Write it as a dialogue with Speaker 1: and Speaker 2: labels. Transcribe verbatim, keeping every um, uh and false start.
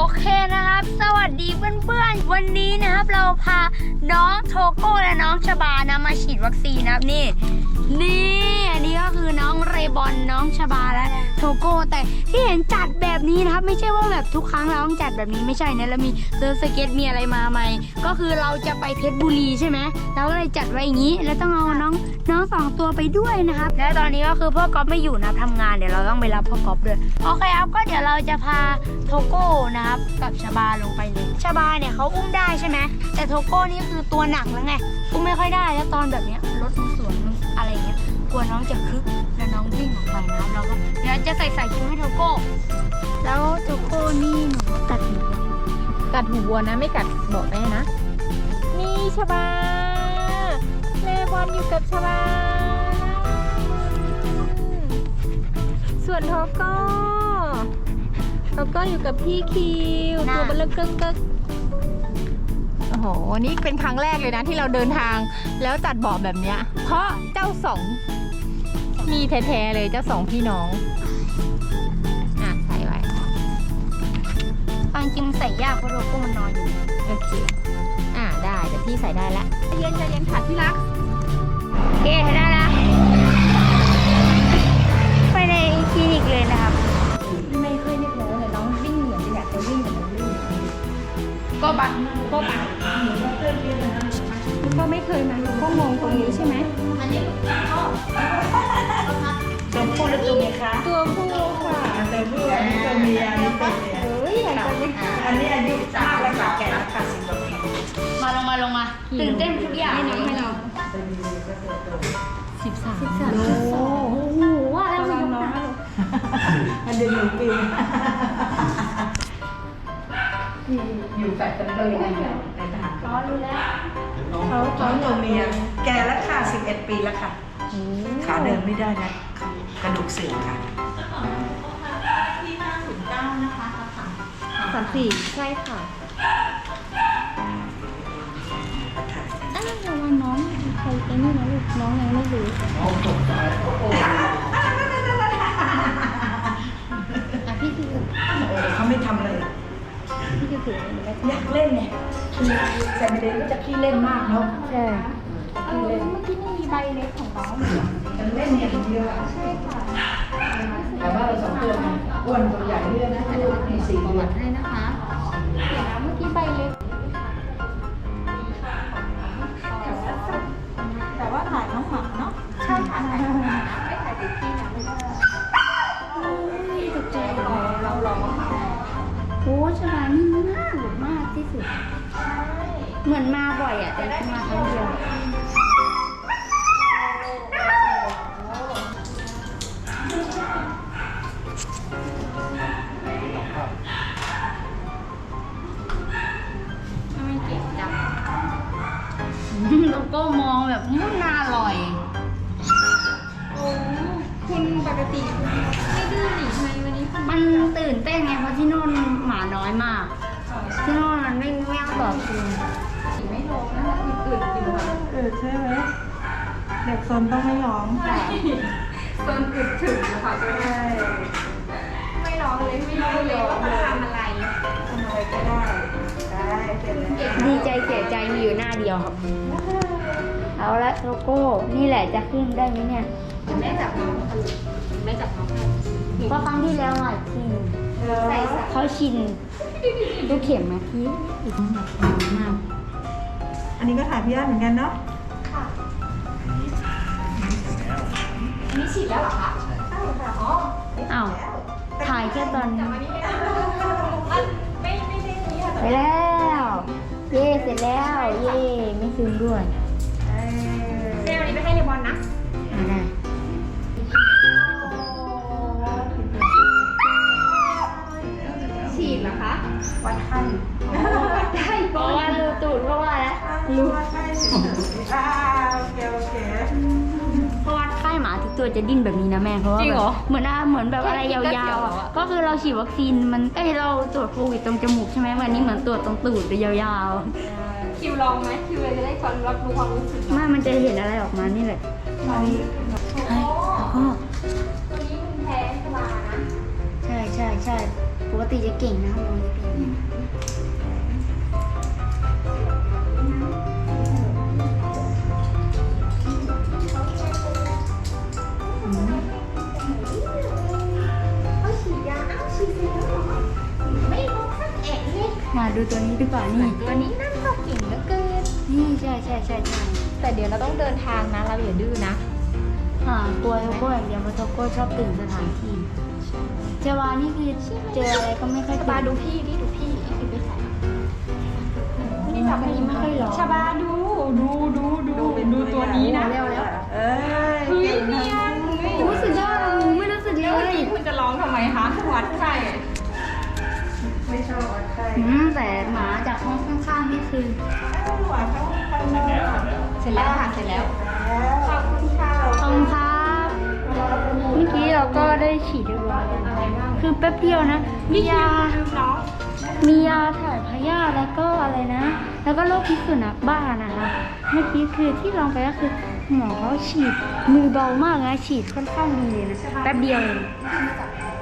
Speaker 1: เคนะครับสวัสดีเพื่อนๆวันนี้นะครับเราพาน้องโทโก้และน้องชบานะมาฉีดวัคซีนนะครับนี่นี่อันนี้ก็คือน้องเรบอนน้องชบาและโทโก้แต่ที่เห็นจัดแบบนี้นะครับไม่ใช่ว่าแบบทุกครั้งเราต้องจัดแบบนี้ไม่ใช่นะเรามีเซิร์ฟสเก็ตมีอะไรมาใหม่ก็คือเราจะไปเพชรบุรีใช่ไหมเราก็เลยจัดไว้อย่างนี้แล้วต้องเอาน้องน้องสองตัวไปด้วยนะครับและตอนนี้ก็คือพ่อก๊อฟไม่อยู่นะทำงานเดี๋ยวเราต้องไปรับพ่อก๊อฟด้วยโอเคครับก็เดี๋ยวเราจะพาโทโก้นะครับกับชบาลงไปเลยชบาเนี่ยเขาอุ้มได้ใช่ไหมแต่โทโก้นี่คือตัวหนักแล้วไงอุ้มไม่ค่อยได้แล้วตอนแบบเนี้ยรถมันสวนอะไรเงี้ยกลัวน้องจะคึกแล้วน้องวิ่งออกไปนะครับเราก็เดี๋ยวจะใส่ใส่ชุดให้โทโก้แล้วโทโก้นี่หนูตัดหู
Speaker 2: กัดหูวัวนะไม่กัดบอกแม่นะนี่ชบาเลบอนอยู่กับชบาส่วนโทโก้โทโก้อยู่กับพี่คิวตัวเบลเกิ้งเกิ้งโอ้โหนี่เป็นครั้งแรกเลยนะที่เราเดินทางแล้วจัดเบาะแบบเนี้ยเพราะเจ้าสองมีแท้ๆเลยเจ้าสองพี่น้องอ่ะใส่ไว้
Speaker 1: บางจริงใส่ยากเพราะโทโก้มันนอนอยู่
Speaker 2: โอเคอ่าได้แต่พี่ใส่ได้แล้วเย็นจะเย็นค่ะที่รัก
Speaker 1: โอเคได้แล้วไปในคลินิกเลยนะครับ
Speaker 2: ไม่เคยนึกเลยแต่น้องวิ่งเหมือนจะอยากจะวิ่งเหมือนจะวิ่งก็บังก็บังก็ไม่เคยมาก็งงตรงนี้ใช่ไหมอันนี้
Speaker 3: ตัวผู้หรือตัวเมียคะ
Speaker 2: ตัวผู้ค่ะ
Speaker 3: ตัวผู้อันนี้ตัวเมียอันนี้ตัวเมีย
Speaker 2: เฮ้ยอยากจะวิ่ง
Speaker 3: อันนี้อายุมากแล้วค่ะแก่แล้วค่ะสิบกว่าปี
Speaker 1: มาลงมาลงมาตื่นเต้นทุกอย่าง
Speaker 2: ให้น้องให้น้องสิบสามสิบสาม
Speaker 1: โอ้โหว่าแล้วมันน้อง
Speaker 3: อันเดียวหนึ่งปีอยู่แฟลตกันเลยในทหาร
Speaker 1: อ๋อรู้แล้ว
Speaker 3: เขาท้องตัวเมียแก่แล้วค่ะสิบเอ็ดปีแล้วค่ะขาเดินไม่ได้นะกระดูกเสื่อมค่ะ
Speaker 2: ที่ห้าศูนย์เก้านะคะสามสี่ใช่ค่ะ
Speaker 1: อ้าวระวังน้องใครไอ้นี่นะลูกน้องยังไม่รู้น้องตกใจอ่ะพี่คือ
Speaker 3: เขาไม่ทำเลย
Speaker 1: พี่คือถือ
Speaker 3: อยากเล่นเนี่ยแซมเดนก็จะขี้เล่นมากเนาะ
Speaker 1: ใช่
Speaker 2: เออเมื่อกี้ไม่มีใบเล็กของน้อง
Speaker 3: มันเล่นอย่างเดียว
Speaker 2: ใช่ค่ะ
Speaker 3: แต่ว่าเราสองตัวอ้วนตัวใหญ่เรื่อยนะมีสี่
Speaker 2: ประวั
Speaker 3: เดือน
Speaker 2: ติให้นะคะเดี๋ยวนะเมื่อกี้ใบเล็กแต่ว่าถ่ายน้องหมาเนาะใช่ค่ะถ่ายน้องหมาไม่ถ่ายติดที่นะไม่ได้
Speaker 1: ตกใจ
Speaker 2: เราลอง
Speaker 1: โอ้ชบานี่มากหลุดมากที่สุดเหมือนมาบ่อยอ่ะแต่มาครั้งเดียว
Speaker 2: ไม่เก่งจัง
Speaker 1: แล้วก็มองแบบมุ่งน่าอร่อย
Speaker 2: โอ้คุณปกติไม่ดื้อหนิทำไมวันนี้
Speaker 1: มันตื่นเต้นไงเพราะที่โน่นหมาน้อยมากที่โน่นมันไม่ไม่เอาต่อคืน
Speaker 2: ไม่ร้องนะคะอื่นๆอยู่
Speaker 3: อืดใช่ไหมเด็กซนต้องไม่ร้อง
Speaker 2: ซนอึดถึงค่ะใช่ไม่ร้องเลยไม่รู้เลยว่าทำอะไร
Speaker 3: ทำอะไรก็ได้ได้เป็น
Speaker 1: ดีใจเสียใจมีอยู่หน้าเดียวครับเอาละโลโก้นี่แหละจะขึ้นได้ไหมเนี่ย
Speaker 2: แม่จับน้องแม่จับน้อง
Speaker 1: เพราะครั้งที่แล้วอ่ะชินเขาชินดูเข็มไหมพี่อีกมาก
Speaker 3: อันนี้ก็ถ่ายพี่อ้าเหมือนกันเนาะ
Speaker 2: ค่ะอันนี้ฉีดแล้วเหรอคะใช่ค่ะอ๋อ
Speaker 1: อ้าวถ่ายแค่ตอน
Speaker 2: ไม่ไม่ไม่ได้นี้ค่ะ
Speaker 1: ไปแล้วเย่เสร็จแล้วเย่ไม่ซึมด้วย
Speaker 2: เดี๋ยววันนี้ไปให้เลบอนนะ
Speaker 1: ได้
Speaker 2: ฉีดเหรอคะ
Speaker 3: วัดไข้
Speaker 2: วัดได้
Speaker 1: เพราะว่ารูตูดเพราะว่าแล้ว
Speaker 3: รู้วัดไข้เฉยๆอ่าโอเคโอเค
Speaker 1: เพราะว่าไข้หมาทุกตัวจะดิ้นแบบนี้นะแม่เพราะว่าแบบเหมือนเหมือนแบบอะไรยาวๆก็คือเราฉีดวัคซีนมันเอ้ยเราตรวจโควิดตรงจมูกใช่ไหมวันนี้เหมือนตรวจตรงตูดเลยยาว
Speaker 2: ๆคิวลองไหมคิวเลยจะได้ความรับรู้ความรู้สึก
Speaker 1: ไม่มันจะเห็นอะไรออกมานี่แหละ
Speaker 2: ตอนนี้
Speaker 1: ใช่แล้วก็
Speaker 2: ตัวนี้มันแพ้สบายนะ
Speaker 1: ใช่ใช่ใช่ปกติจะเก่งนะครับน้องจะเก่งมาดูตัวนี้ดีกว่านี่
Speaker 2: ตัวนี้นั่นก็เก่งเหลือเกิน
Speaker 1: นี่ใช่ใช่ใช่ใช่
Speaker 2: แต่เดี๋ยวเราต้องเดินทางนะ เราอย่าดื้อนะ
Speaker 1: อ่ากลัวโทโก้อย่างเดียวเพราะโทโก้ชอบตื่นสถานที่เจวานี่คือเจออะไรก็ไม่ค่อย
Speaker 2: ชาบาดูพี่ดิดูพี่พี่คือไปใส่
Speaker 1: นี่จับอันนี้ไม่ค่อยหรอ
Speaker 2: ชาบาดูดูดูดูดูตัวนี้นะ
Speaker 3: เร็วแล้วเอ้ย
Speaker 2: เฮ้ยเนียน
Speaker 1: รู้สึกได้หนูไม่รู้สึกเล
Speaker 2: แล้วเมื่อย กี้คุณจะร้องทำไมคะวัดไข่
Speaker 3: ไม่ชอบวัดไข้
Speaker 1: อืมแต่หมาจากห้องข้างๆนี่คือ
Speaker 3: หวานเขาเขาเสร็จแล้ว
Speaker 2: เสร็จแล้วค่ะเสร็จแล้ว
Speaker 3: ขอบคุณค่ะ
Speaker 1: ขอบคุณครับเมื่อกี้เราก็ได้ฉีดเรียบร้อยแล้วคือแป๊บเดียวนะมียา
Speaker 2: น้อง
Speaker 1: มียาถ่ายพยาธิแล้วก็อะไรนะ แล้วก็โรคพิษสุนัขบ้านะคะเมื่อกี้คือที่ลองไปก็คือหมอเขาฉีดมือเบามากนะฉีดค่อนข้างดีเลยนะแป๊บเดียวเอง
Speaker 2: มาจับ